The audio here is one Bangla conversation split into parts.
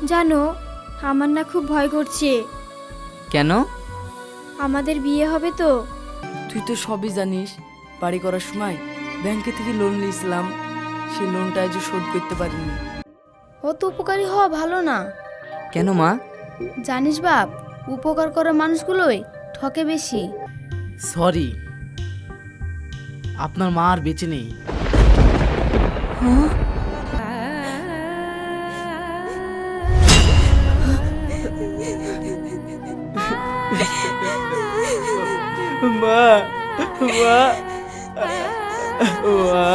জানো, আমার না খুব ভয় করছে। কেন? আমাদের বিয়ে হবে তো। তুই তো সবই জানিস, বাড়ি করার সময় ব্যাংকে থেকে লোন নিয়েছিলাম, সেই লোনটা আজও শোধ করতে পারিনি। অত উপকারী হওয়া ভালো না। কেন মা? জানিস বাপ, উপকার করা মানুষগুলোই ঠকে বেশি। সরি, আপনার মা আর বেঁচে নেই। মা, মা, মা।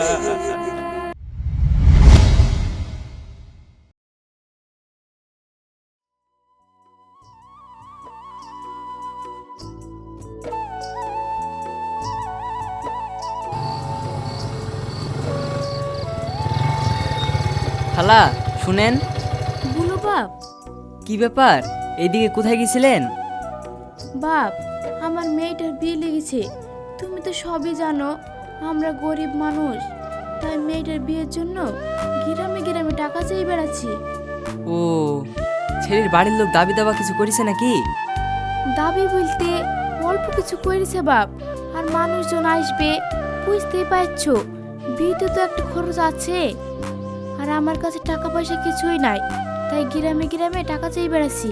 খালা শুনেন। বলো বাপ। কি ব্যাপার, এইদিকে কোথায় গেছিলেন? বাপ, আমার মেয়েটার বিয়ে লেগেছে। তুমি তো সবই জানো, আমরা গরিব মানুষ, তাই মেয়েটার বিয়ের জন্য গ্রামে গ্রামে টাকা চেয়ে বেড়াচ্ছি। ও, ছেলের বাড়ির লোক দাবি দাবা কিছু করেছে নাকি? দাবি বলতে অল্প কিছু করেছে বাপ। আর মানুষজন আসবে, বুঝতেই পারছো, বিয়েতে তো একটা খরচ আছে। আর আমার কাছে টাকা পয়সা কিছুই নাই, তাই গ্রামে গ্রামে টাকা চেয়ে বেড়াচ্ছি।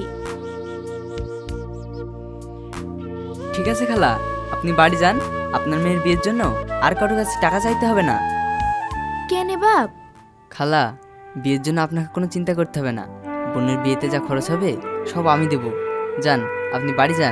ঠিক আছে খালা, আপনি বাড়ি যান। আপনার মেয়ের বিয়ের জন্য আর কারোর কাছে টাকা চাইতে হবে না। কেন বাপ? খালা, বিয়ের জন্য আপনাকে কোনো চিন্তা করতে হবে না। বোনের বিয়েতে যা খরচ হবে সব আমি দেব। যান, আপনি বাড়ি যান।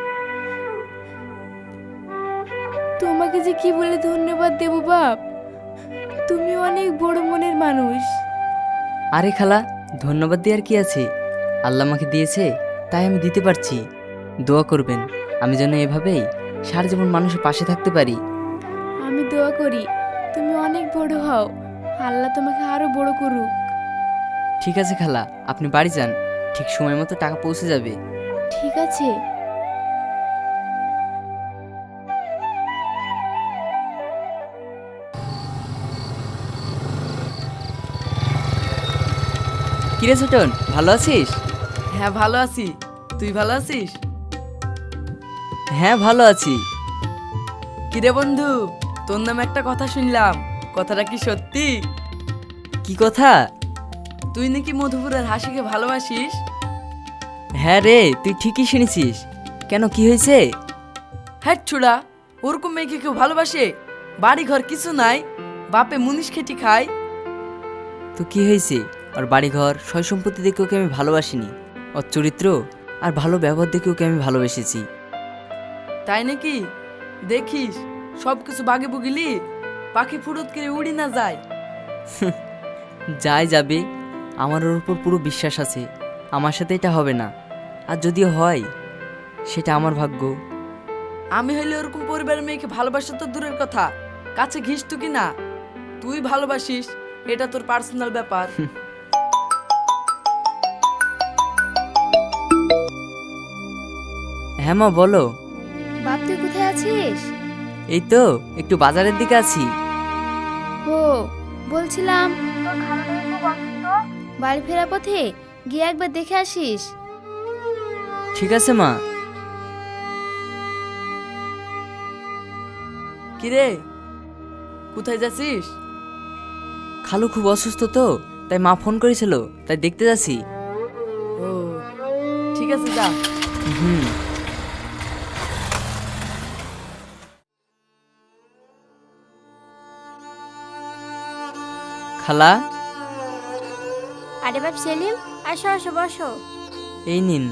তোমাকে যে কি বলে ধন্যবাদ দেব বাপ, তুমি অনেক বড় মনের মানুষ। আরে খালা, ধন্যবাদ দেওয়ার কি আছে? আল্লাহ আমাকে দিয়েছে, তাই আমি দিতে পারছি। দোয়া করবেন আমি যেন এভাবেই সারা জীবন মানুষের পাশে থাকতে পারি। আমি দোয়া করি তুমি অনেক বড় হও, আল্লাহ তোমাকে আরো বড় করুক। ঠিক আছে খালা, আপনি বাড়ি যান। ঠিক সময় মতো টাকা পৌঁছে যাবে। ঠিক আছে। কিরে ছোটন, ভালো আছিস? হ্যাঁ ভালো আছি, তুই ভালো আছিস? হ্যাঁ ভালো আছি। কিরে বন্ধু, তোর নামে একটা কথা শুনলাম, কথাটা কি সত্যি? কি কথা? তুই নাকি মধুপুরের হাসিকে ভালোবাসিস? হ্যাঁ রে, তুই ঠিকই শুনেছিস। কেন, কি হয়েছে? হ্যাঁ ছুড়া, ওরকম মেয়েকে কেউ ভালোবাসে? বাড়ি ঘর কিছু নাই, বাপে মুনিশ খেটি খায়। তো কি হয়েছে? ওর বাড়িঘর সয় সম্পত্তি দেখে ওকে আমি ভালোবাসিনি। ওর চরিত্র আর ভালো ব্যবহার দেখে ওকে আমি ভালোবেসেছি। তাই নাকি? দেখিস সব কিছু বাগে বুগিলি, পাখি ফুরুত করে উড়ি না যায়। যাই যাবে, আমার ওর উপর পুরো বিশ্বাস আছে। আমার সাথে এটা হবে না, আর যদিও হয় সেটা আমার ভাগ্য। আমি হইলে ওরকম পরিবারের মেয়েকে ভালোবাসা তো দূরের কথা, কাছে ঘিসতু কি না? তুই ভালোবাসিস, এটা তোর পার্সোনাল ব্যাপার। হ্যাঁ মা, বলো। বাপ, তুই কোথায় আছিস? এই তো একটু বাজারের দিকে আছি। ও, বলছিলাম বাড়ি ফেরার পথে গিয়ে একবার দেখে আসিস। ঠিক আছে মা। কিরে, কোথায় যাচ্ছিস? খালু খুব অসুস্থ তো, তাই মা ফোন করেছিল, তাই দেখতে যাচ্ছি। ও ঠিক আছে, যা। হুম। খালা, আরে বাপ সেলিম, আসো আসো, বসো। এই নিন।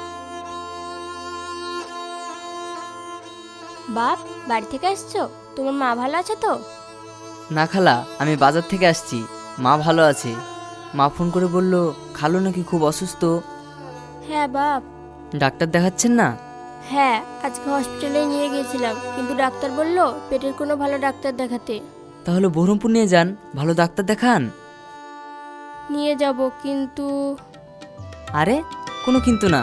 বাপ, বাড়ি থেকে আসছো? তোমার মা ভালো আছে তো? না খালা, আমি বাজার থেকে আসছি। মা ভালো আছে। মা ফোন করে বলল খালু নাকি খুব অসুস্থ। হ্যাঁ বাপ। ডাক্তার দেখাচ্ছেন না? হ্যাঁ, আজকে হসপিটালে নিয়ে গিয়েছিলাম, কিন্তু ডাক্তার বলল পেটের কোনো ভালো ডাক্তার দেখাতে। তাহলে বহরমপুর নিয়ে যান, ভালো ডাক্তার দেখান। নিয়ে যাব, কিন্তু আরে কোনো কিন্তু না।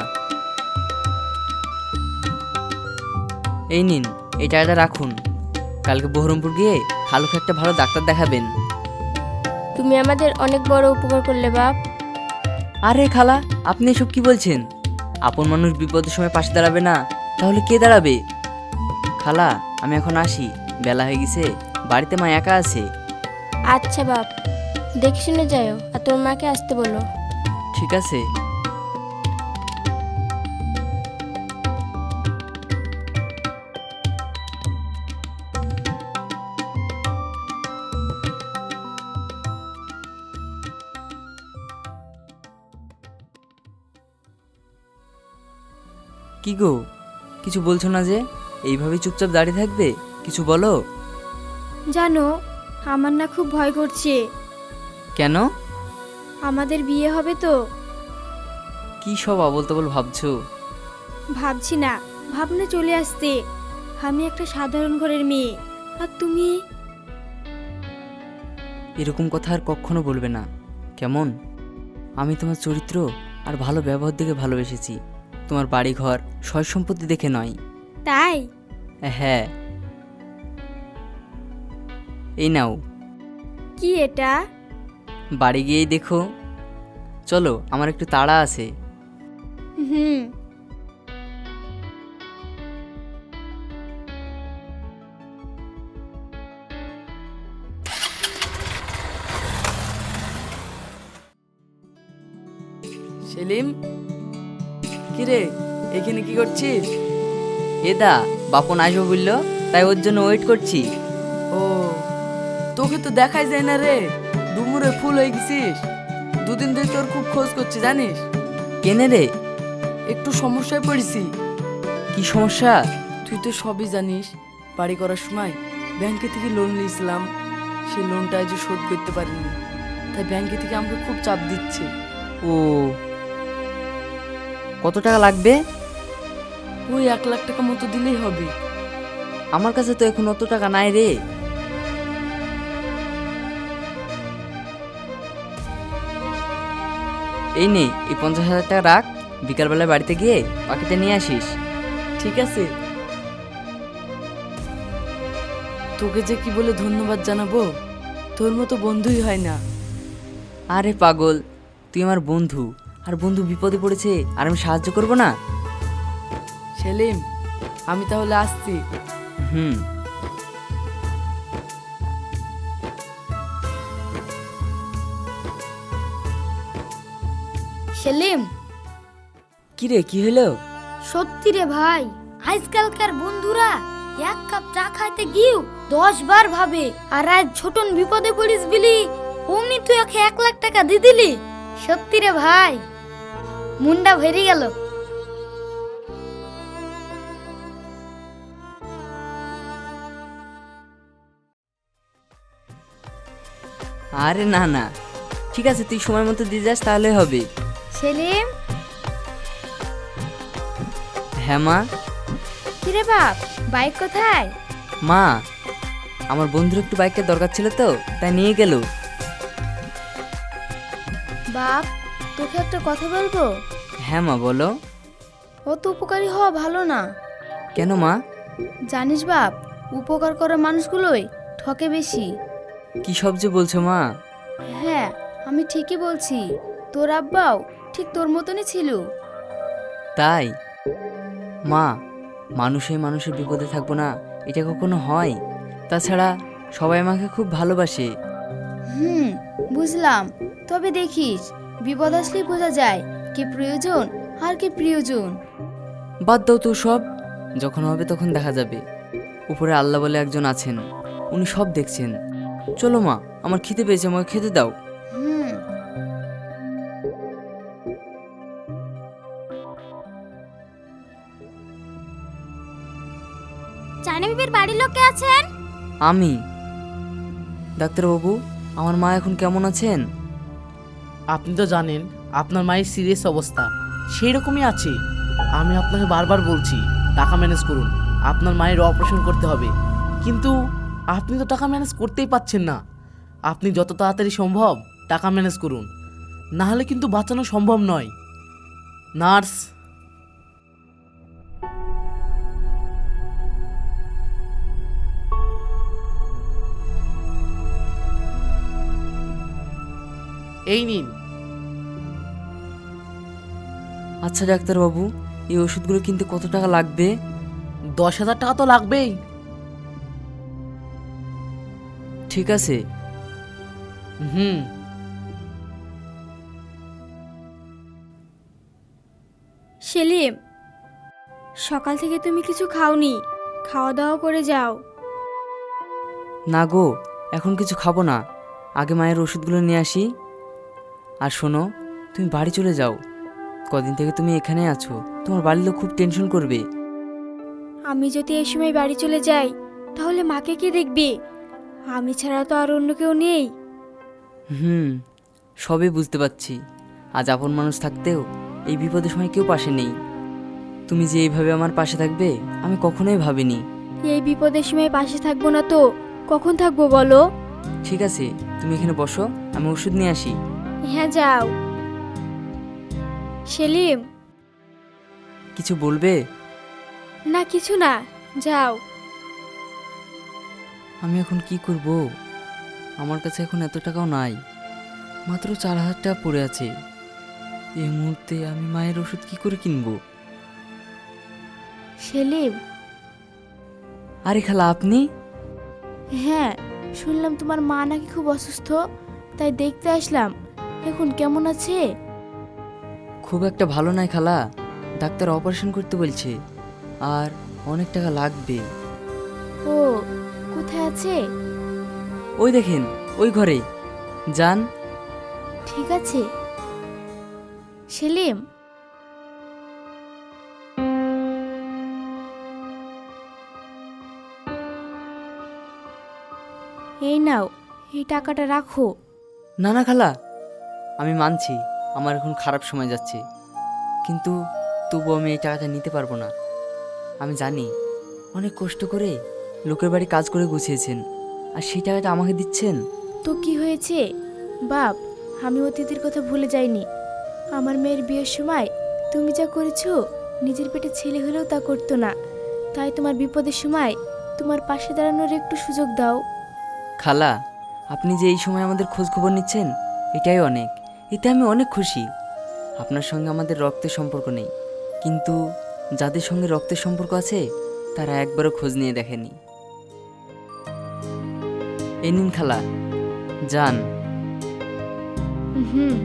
এই নিন, এই টাকাটা রাখুন। কালকে বহরমপুর গিয়ে খালুকে একটা ভালো ডাক্তার দেখাবেন। তুমি আমাদের অনেক বড় উপকার করলে বাপ। আরে খালা, আপনি এসব কি বলছেন? আপন মানুষ বিপদের সময় পাশে দাঁড়াবে না, তাহলে কে দাঁড়াবে? খালা, আমি এখন আসি, বেলা হয়ে গেছে, বাড়িতে মা একা আছে। আচ্ছা বাপ, দেখে শুনে যাও, আর তোর মাকে আসতে বলো। ঠিক আছে। কি গো, কিছু বলছো না যে? এইভাবে চুপচাপ দাঁড়িয়ে থাকবে? কিছু বলো। জানো, আমার না খুব ভয় করছে। কেন? আমাদের বিয়ে হবে তো। কি সব আবোল তাবোল ভাবছো? ভাবছি না, ভাবনা চলে আসতে। আমি একটা সাধারণ ঘরের মেয়ে, আর তুমি। এরকম কথা আর কখনো বলবে না, কেমন? আমি তোমার চরিত্র আর ভালো ব্যবহার দেখে ভালোবেসেছি, তোমার বাড়ি ঘর সয় সম্পত্তি দেখে নয়। তাই? হ্যাঁ। এই নাও। কি এটা? বাড়ি গিয়েই দেখো। চলো, আমার একটু তাড়া আছে। হুম। সেলিম, কিরে এখানে কি করছিস? এদা, বাপন আসবো বললো, তাই ওর জন্য ওয়েট করছি। ও, তোকে তো দেখাই যায় না রে, ডুমুরে ফুল হয়ে গেছিস। দুদিন ধরে তোর খুব খোঁজ করছি জানিস। কেনে রে? একটু সমস্যায় পড়েছি। কি সমস্যা? তুই তো সবই জানিস, বাড়ি করার সময় ব্যাংকে থেকে লোন নিয়েছিলাম, সেই লোনটা আজ শোধ করতে পারিনি, তাই ব্যাংকে থেকে আমাকে খুব চাপ দিচ্ছে। ও, কত টাকা লাগবে? ওই 1 লাখ টাকা মতো দিলেই হবে। আমার কাছে তো এখন অত টাকা নাই রে। এই নে, এই 50,000 টাকা রাখ, বিকালবেলায় বাড়িতে গিয়ে বাকিটা নিয়ে আসিস। ঠিক আছে। তোকে যে কি বলে ধন্যবাদ জানাবো, তোর মতো বন্ধুই হয় না। আরে পাগল, তুই আমার বন্ধু, আর বন্ধু বিপদে পড়েছে আর আমি সাহায্য করব না? সেলিম, আমি তাহলে আসছি। হুম। সেলিম, কি রে, কি হলো? সত্যি রে ভাই, আজকালকার বন্ধুরা এক কাপ চা খাইতে গিয়েও 10 বার ভাবে। আর আজ ছোটন বিপদে পড়িস বিলি, অমনি তুই ওকে 1 লাখ টাকা দিয়ে দিলি। সত্যি রে ভাই, মুন্ডা ভরে গেল। আরে না না, ঠিক আছে, তুই সময় মতো দিয়ে যাস তাহলে হবে। সেলিম। হ্যাঁ মা। কিরে বাপ, বাইক কোথায়? মা, আমার বন্ধুর একটু বাইকের দরকার ছিল তো, তাই নিয়ে গেল। বাপ, তোকে একটা কথা বলবো। হ্যাঁ মা, বলো। অত উপকারী হওয়া ভালো না। কেন মা? জানিস বাপ, উপকার করা মানুষগুলোই ঠকে বেশি। কি সব যে বলছো মা? হ্যাঁ, আমি ঠিকই বলছি। তোর আব্বাও ঠিক তোর মতনই ছিল। তাই? মা, মানুষের বিপদে থাকবো না, এটা কখনো হয়? তাছাড়া সবাই আমাকে খুব ভালোবাসে। হুম, বুঝলাম। তবে দেখিস, বিপদ আসলেই বোঝা যায় কি প্রয়োজন আর কি প্রিয়জন। বাদ দাও তো সব, যখন হবে তখন দেখা যাবে। উপরে আল্লাহ বলে একজন আছেন, উনি সব দেখছেন। চলো মা, আমার খিদে পেয়েছে, আমাকে খেতে দাও। হুম। চাইনা বিবির বাড়ির লোক কে আছেন? আমি। ডাক্তারবাবু, আমার মা এখন কেমন আছেন? আপনি তো জানেন আপনার মায়ের সিরিয়াস অবস্থা, সেই রকমই আছে। আমি আপনাকে বারবার বলছি টাকা ম্যানেজ করুন, আপনার মায়ের অপারেশন করতে হবে, কিন্তু আপনি তো টাকা ম্যানেজ করতেই পাচ্ছেন না। আপনি যত তাড়াতাড়ি সম্ভব টাকা ম্যানেজ করুন, না হলে কিন্তু বাঁচানো সম্ভব নয়। নার্স। এই নিন। আচ্ছা ডাক্তারবাবু, এই ওষুধগুলো কিনতে কত টাকা লাগবে? 10,000 টাকা তো লাগবেই। ঠিক আছে। হুম। সেলিম, সকাল থেকে তুমি কিছু খাওনি, খাওয়া দাওয়া করে যাও। না গো, এখন কিছু খাবো না, আগে মায়ের ওষুধগুলো নিয়ে আসি। আর শোনো, তুমি বাড়ি চলে যাও। কদিন থেকে তুমি এখানে আছো, তোমার বাড়ির লোক খুব টেনশন করবে। আমি যদি এই সময় বাড়ি চলে যাই তাহলে মাকে কে দেখবে? আমি ছাড়া তো আর অন্য কেউ নেই। সবই বুঝতে পারছি। আজ আপন মানুষ থাকতেও এই বিপদের সময় কেউ পাশে নেই। তুমি যে এইভাবে আমার পাশে থাকবে আমি কখনোই ভাবিনি। এই বিপদের সময় পাশে থাকবো না তো কখন থাকবো বলো? ঠিক আছে, তুমি এখানে বসো, আমি ওষুধ নিয়ে আসি। হ্যাঁ যাও। সেলিম, কিছু বলবে? না কিছু না, যাও। আমি এখন কি করব? আমার কাছে এখন এত টাকাও নাই, মাত্র 4,000 টাকা পড়ে আছে। এই মুহূর্তে আমি মায়ের ওষুধ কি করে কিনবো? সেলিম, আরে খালা, আপনি? হ্যাঁ শুনলাম তোমার মা নাকি খুব অসুস্থ, তাই দেখতে আসলাম। এখন কেমন আছে? খুব একটা ভালো নাই খালা, ডাক্তার অপারেশন করতে বলছে, আর অনেক টাকা লাগবে। ও কোথায় আছে? ওই দেখেন, ওই ঘরে যান। ঠিক আছে। সেলিম, এই নাও, এই টাকাটা রাখো। না না খালা, আমি মানছি আমার এখন খারাপ সময় যাচ্ছে, কিন্তু তবু আমি এই টাকাটা নিতে পারবো না। আমি জানি অনেক কষ্ট করে লোকের বাড়ি কাজ করে গুছিয়েছেন, আর সেই টাকাটা আমাকে দিচ্ছেন। তো কি হয়েছে বাপ, আমি অতীতের কথা ভুলে যাইনি। আমার মেয়ের বিয়ের সময় তুমি যা করেছো, নিজের পেটে ছেলে হলেও তা করতো না। তাই তোমার বিপদের সময় তোমার পাশে দাঁড়ানোর একটু সুযোগ দাও। খালা, আপনি যে এই সময় আমাদের খোঁজ খবর নিচ্ছেন, এটাই অনেক। এতে আমি অনেক খুশি। আপনার সঙ্গে আমাদের রক্তের সম্পর্ক নেই, কিন্তু যাদের সঙ্গে রক্তের সম্পর্ক আছে তারা একবারও খোঁজ নিয়ে দেখেনি। এই নিন খালা, যান। হুম।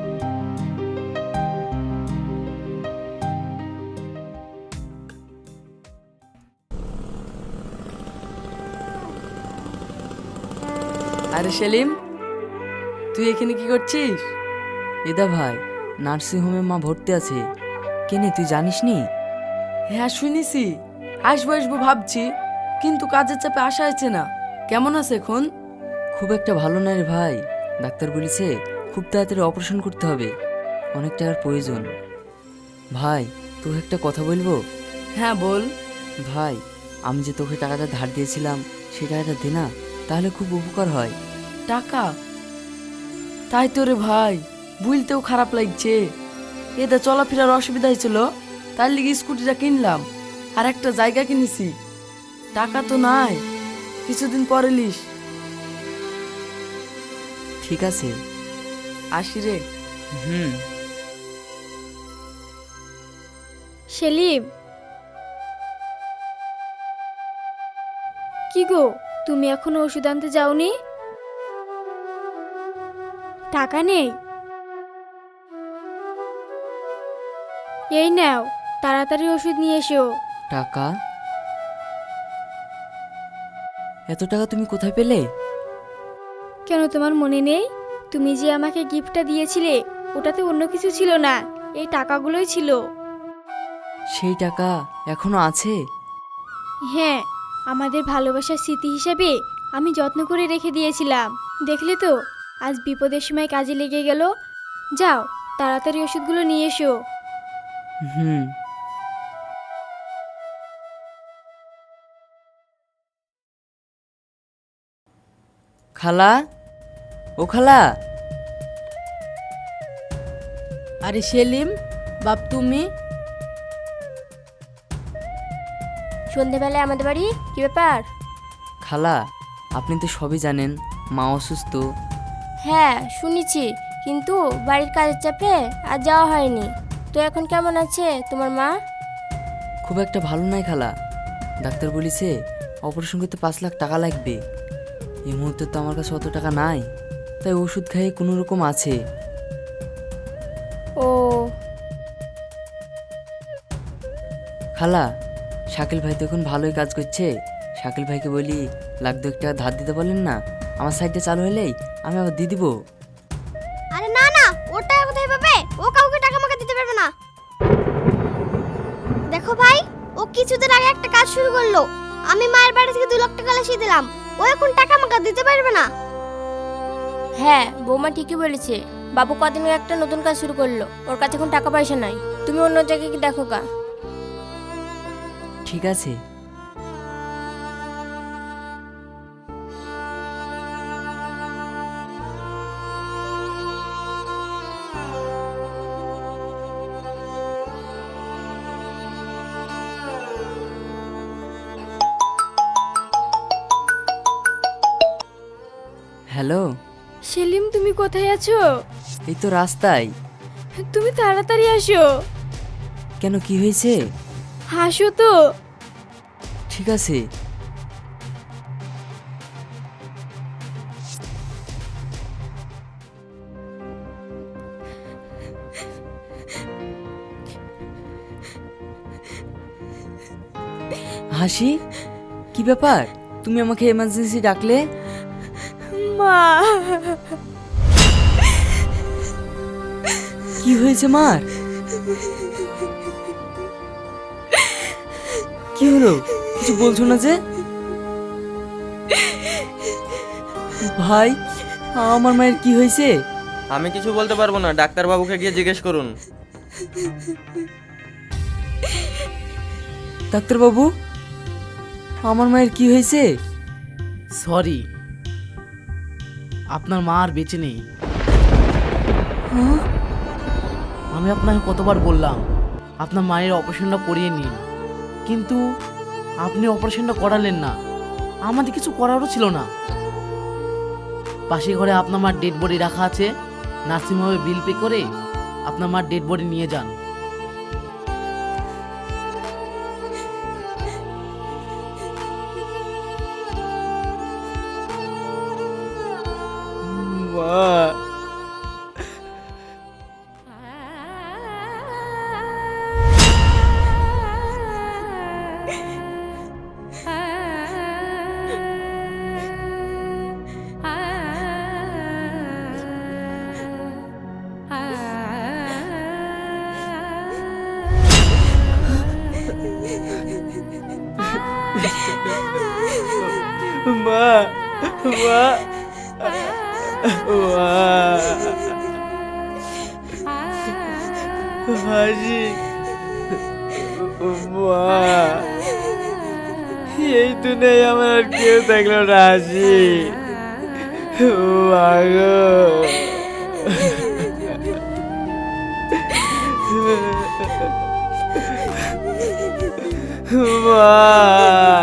আরে সেলিম, তুই এখানে কি করছিস? এদা ভাই, নার্সিংহোমে মা ভর্তি আছে। কেনে, তুই জানিস নি? হ্যাঁ শুনেছি, আসবো আসবো ভাবছি, কিন্তু কাজের চাপে আসা হয়েছে না। কেমন আছে এখন? খুব একটা ভালো না রে ভাই, ডাক্তার বলেছে খুব তাড়াতাড়ি অপারেশন করতে হবে, অনেক টাকার প্রয়োজন। ভাই, তোকে একটা কথা বলবো? হ্যাঁ বল। ভাই, আমি যে তোকে টাকাটা ধার দিয়েছিলাম সেই টাকাটা দে না, তাহলে খুব উপকার হয়। টাকা? তাই তো রে ভাই, বুঝতেও খারাপ লাগছে। এতে চলাফেরার অসুবিধা হয়েছিল, তার লিগে স্কুটিটা কিনলাম, আর একটা জায়গা কিনেছি। টাকা তো নাই, কিছুদিন পরে লিস। ঠিক আছে। আসি রে। হুম। সেলিম, কি গো, তুমি এখনো ওষুধ আনতে যাওনি? টাকা নেই? এই নাও, তাড়াতাড়ি ওষুধ নিয়ে এসো। টাকা? এত টাকা তুমি কোথায় পেলে? কেন তোমার মনে নেই? তুমি যে আমাকে গিফটটা দিয়েছিলে, ওটাতে অন্য কিছু ছিল না, এই টাকাগুলোই ছিল। সেই টাকা এখনো আছে? হ্যাঁ, আমাদের ভালোবাসার স্মৃতি হিসেবে আমি যত্ন করে রেখে দিয়েছিলাম। দেখলে তো, আজ বিপদের সময় কাজে লেগে গেল। যাও, তাড়াতাড়ি ওষুধগুলো নিয়ে এসো। হুম। খালা, ও খালা। আরে সেলিম বাপ, তুমি? সন্ধেবেলায় আমাদের বাড়ি, কি ব্যাপার? খালা, আপনি তো সবই জানেন, মা অসুস্থ। হ্যাঁ শুনেছি, কিন্তু বাড়ির কাজের চাপে আর যাওয়া হয়নি। তো এখন কেমন আছে তোমার মা? খুব একটা ভালো নাই খালা। ডাক্তার বলেছে অপারেশন করতে 5 লাখ টাকা লাগবে। এই মুহূর্তে তো আমার কাছে অত টাকা নাই, তাই ওষুধ খাইয়ে কোনো রকম আছে। ও, খালা, শাকিল ভাই তো এখন ভালোই কাজ করছে। শাকিল ভাইকে বলি 1,00,000 টাকা ধার দিতে বলেন না, আমার সাইডে চালু হলেই আমি আবার দিয়ে দিব। আরে না না, ওর টাকা কোথায় পাবে? ও কাউকে টাকা মাকা দিতে পারবে না। দেখো ভাই, ও কিছুদিন আগে একটা কাজ শুরু করলো। আমি মায়ের বাড়ি থেকে 2 লাখ টাকা লিখে দিলাম। ও এখন টাকা মাকা দিতে পারবে না। হ্যাঁ বৌমা ঠিকই বলেছে। বাবু কদিন আগে একটা নতুন কাজ শুরু করলো, ওর কাছে এখন টাকা পয়সা নাই। তুমি অন্য জায়গায় কি দেখো গা। ঠিক আছে। হ্যালো, সেলিম, তুমি কোথায় আছো? এই তো রাস্তায়। তুমি তাড়াতাড়ি আসো। কেন, কি হয়েছে? হাসো তো। ঠিক আছে। হাসি, কি ব্যাপার? তুমি আমাকে এমার্জেন্সি ডাকলে? মা, কি হয়েছে মার? কি হলো, কিছু বলছো না যে? ভাই, আমার মায়ের কি হয়েছে? আমি কিছু বলতে পারবো না, ডাক্তার বাবুকে গিয়ে জিজ্ঞেস করুন। ডাক্তার বাবু, আমার মায়ের কি হয়েছে? সরি, আপনার মা আর বেঁচে নেই। আমি আপনাকে কতবার বললাম আপনার মায়ের অপারেশনটা করিয়ে নিন, কিন্তু আপনি অপারেশনটা করালেন না। আমাদের কিছু করারও ছিল না। পাশে ঘরে আপনার মার ডেড বডি রাখা আছে, নার্সিংহোমে বিল পে করে আপনার মার ডেড বডি নিয়ে যান। মা, মা, মা, হাসি, মা, এই দুনিয়ায় আমার আর কেউ থাকলো না। হাসি, মা গো, মা।